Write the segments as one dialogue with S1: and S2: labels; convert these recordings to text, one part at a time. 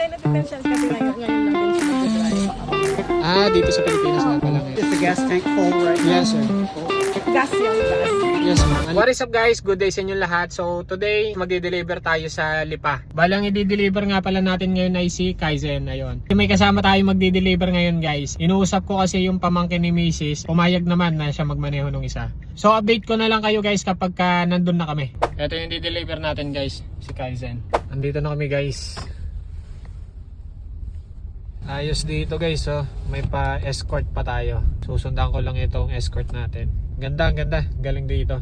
S1: nagpipensyon kasi ngayon lang din siya nag-drive.
S2: Dito sa Pilipinas na pala ngayon.
S3: Is the gas tank full right now?
S2: Yes, sir.
S1: Gas yung gas.
S2: Yes, ma'am. What is up guys? Good day sa inyo lahat. So today, magde-deliver tayo sa Lipa. Balang i-deliver nga pala natin ngayon ay si Kaizen. Ayun. May kasama tayo magde-deliver ngayon guys. Inuusap ko kasi yung pamangkin ni Mrs. Pumayag naman na siya magmaneho nung isa. So update ko na lang kayo guys kapag nandun na kami. Ito yung di-deliver natin guys, si Kaizen. Andito na kami guys. Ayos dito guys, oh. May pa-escort pa tayo. Susundan ko lang itong escort natin. Ganda, ganda. Galing dito.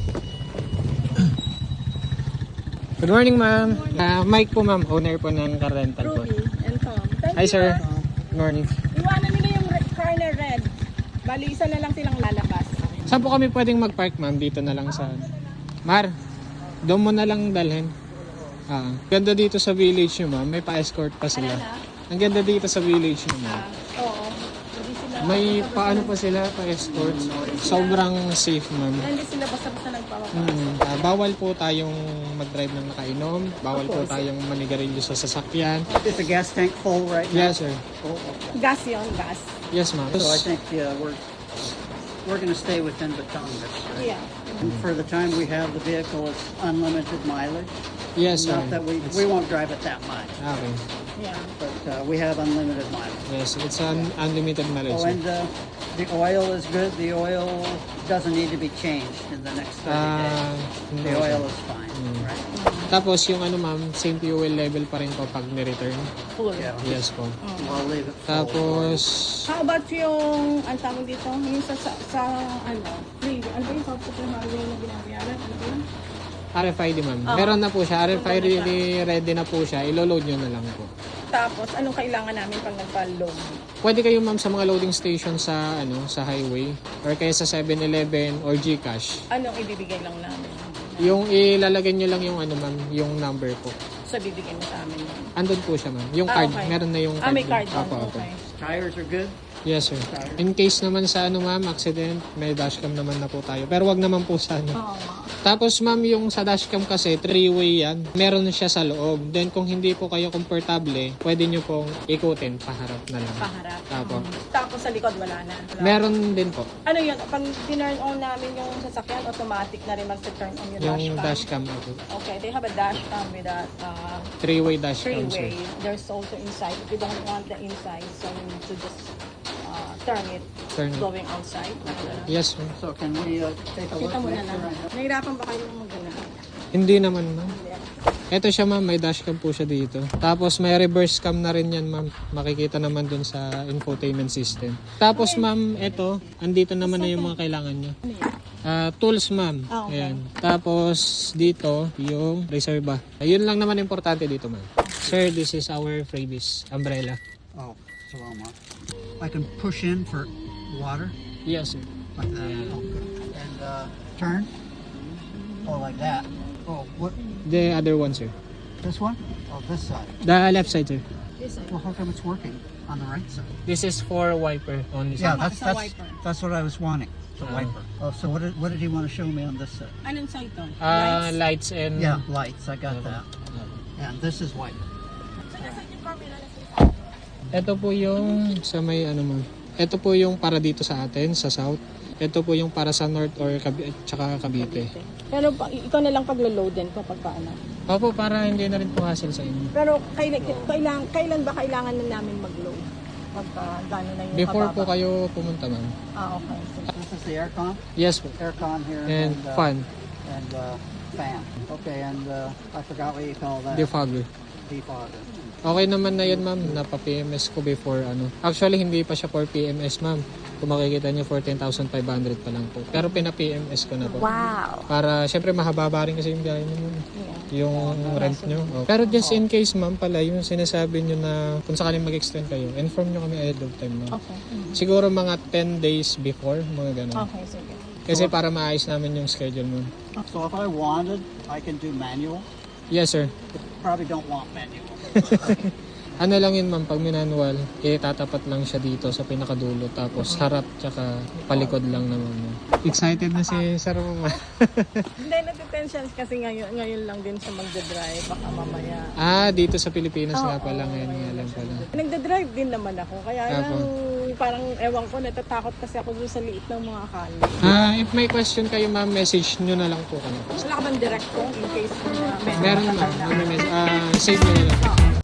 S2: Good morning, ma'am. Mike po, ma'am. Owner po ng car rental po.
S1: Ruby and Tom. Thank
S2: Hi,
S1: you,
S2: sir.
S1: ah.
S2: Good morning.
S1: Iwanan nila yung car na red. Bali, isa na lang silang lalabas.
S2: Saan po kami pwedeng mag-park, ma'am? Dito na lang sa... Mar, doon mo na lang dalhin. Ganda dito sa village nyo, ma'am. May pa-escort pa sila. Ang ganda dito sa village nyo, ma'am.
S1: Oo. Hindi sila,
S2: May paano pa sila pa-escort. Sobrang safe, ma'am.
S1: hindi sila basta-basta nagpapapasok.
S2: Bawal po tayong mag-drive ng nakainom. Bawal po tayong manigarilyo sa sasakyan.
S3: Is the gas tank full right now?
S2: Yes, sir.
S3: Full.
S1: Gas yun, gas.
S2: Yes, ma'am.
S3: So I think we're going to stay within Batangas. Right?
S1: Yeah.
S3: And for the time we have the vehicle, it's unlimited mileage.
S2: Yes, sir.
S3: Not that we won't drive it that much,
S2: Okay.
S1: Yeah.
S3: but we have unlimited mileage.
S2: Yes, it's an unlimited mileage.
S3: Oh, and the oil is good. The oil doesn't need to be changed in the next 30 days.
S2: Hindi
S3: The
S2: po.
S3: oil is fine, right?
S2: Tapos yung ano, ma'am, same fuel level pa rin po pag ni-return.
S1: Full.
S3: Yeah.
S2: Yes po.
S3: We'll leave it full.
S2: Tapos,
S1: How about yung, ang tawag dito, yung sa ano, free, ano ba yung software hardware na binabayaran? Ano ba yun?
S2: RFID, ma'am. Meron na po siya. RFID ready na po siya. Ilo-load nyo na lang po.
S1: Tapos, anong kailangan namin pag nagpa-load?
S2: Pwede kayo, ma'am, sa mga loading station sa sa highway or kaya sa 7-Eleven or GCash.
S1: Anong ibibigay lang namin?
S2: Yung ilalagay nyo lang yung ma'am, yung number po.
S1: Sa bibigay mo sa amin.
S2: Andun po siya, ma'am. Yung card,
S1: okay.
S2: meron na yung card.
S1: May card
S2: doon.
S1: doon.
S2: Opo.
S1: Okay.
S3: Tires are good.
S2: Yes, sir. In case naman sa ma'am, accident, may dashcam naman na po tayo. Pero wag naman po sa
S1: Oo.
S2: Tapos ma'am, yung sa dashcam kasi, 3-way yan. Meron siya sa loob. Then kung hindi po kayo komportable, pwede nyo pong ikutin, paharap na lang.
S1: Paharap.
S2: Tapo.
S1: Tapos sa likod wala na. Wala.
S2: Meron din po.
S1: Ano yun? Pag tinurn on namin yung sasakyan, automatic na rin mag-turn on yung
S2: Yung
S1: dashcam.
S2: dashcam po.
S1: Okay, they have a dashcam with a
S2: 3-way dashcam,
S1: three-way.
S2: sir.
S1: There's also inside. If you don't want the inside, so you need to just turn it
S2: Turn it.
S1: going outside.
S2: Yes, ma'am.
S3: So can we take a look?
S1: Kita mo na
S3: Make
S1: lang.
S3: sure I know.
S1: Nahirapan ba kayo mag-gana?
S2: Hindi naman, ma'am. Ito siya, ma'am. May dashcam po siya dito. Tapos may reverse cam na rin yan, ma'am. Makikita naman dun sa infotainment system. Tapos, ma'am, ito. Andito naman na yung mga kailangan nyo.
S1: Ano yun?
S2: Tools, ma'am.
S1: Okay.
S2: Ayan. Tapos, dito, yung reserva. Ayun lang naman importante dito, ma'am. Sir, this is our freebies umbrella.
S3: Oh, so I can push in for water
S2: Yes, sir.
S3: like that. Oh, good. And turn. Or like that. Oh, what?
S2: The other one, sir.
S3: This one? Oh, this side.
S2: The left side, sir.
S1: This side.
S3: Well, how come it's working on the right side?
S2: This is for wiper only, sir.
S3: Yeah,
S1: It's a wiper.
S3: that's what I was wanting. The wiper. Oh, so what did he want to show me on this side?
S1: Anong side to?
S2: Lights and...
S3: Yeah, lights. I got that. And this is wiper.
S2: Ito po yung sa may ma'am. Ito po yung para dito sa atin, sa south. Ito po yung para sa north or tsaka Cavite.
S1: Pero ikaw na lang paglo-load din kapag paano.
S2: Opo, para hindi na rin po hassle sa inyo.
S1: Pero kailan ba kailangan na namin mag-load? Pagka gano'n na yung
S2: Before
S1: kababa?
S2: po kayo pumunta, ma'am.
S1: Okay.
S3: This is the aircon.
S2: Yes po.
S3: Aircon here.
S2: And fan,
S3: And fan. Okay, and I forgot what you call that.
S2: defogger.
S3: Defogger.
S2: Okay naman na yun, ma'am. Napa-PMS ko before Actually, hindi pa siya for PMS, ma'am. Kung makikita niyo, 14,500 pa lang po. Pero pina-PMS ko na po.
S1: Wow!
S2: Para, syempre, mahaba rin kasi yung biyahe niyo.
S1: Yeah.
S2: Yung rent nyo. Oh. Pero just in case, ma'am, pala, yung sinasabi nyo na kung sakaling mag-extend kayo, inform nyo kami ahead of time, ma'am.
S1: Okay.
S2: Siguro mga 10 days before, mga ganun.
S1: Okay, sige.
S2: Kasi para maayos namin yung schedule mo.
S3: So if I wanted, I can do manual.
S2: Yes, sir.
S3: Probably don't want manual.
S2: Ano lang yun ma'am, pag manual, tatapat lang siya dito sa pinakadulo. Tapos harap tsaka palikod lang naman. Excited na si Sir ma'am.
S1: Hindi, natitension kasi ngayon lang din siya magdadrive. Baka mamaya.
S2: Dito sa Pilipinas nga pala ngayon nga
S1: ngayon
S2: lang pala.
S1: Nagdadrive din naman ako. Kaya
S2: Apo.
S1: lang, parang ewan ko, natatakot kasi ako dun sa liit ng mga kali.
S2: If may question kayo ma'am, message nyo na lang po kami.
S1: Wala ka bang direct ko in case
S2: Meron ma'am, save nyo na lang.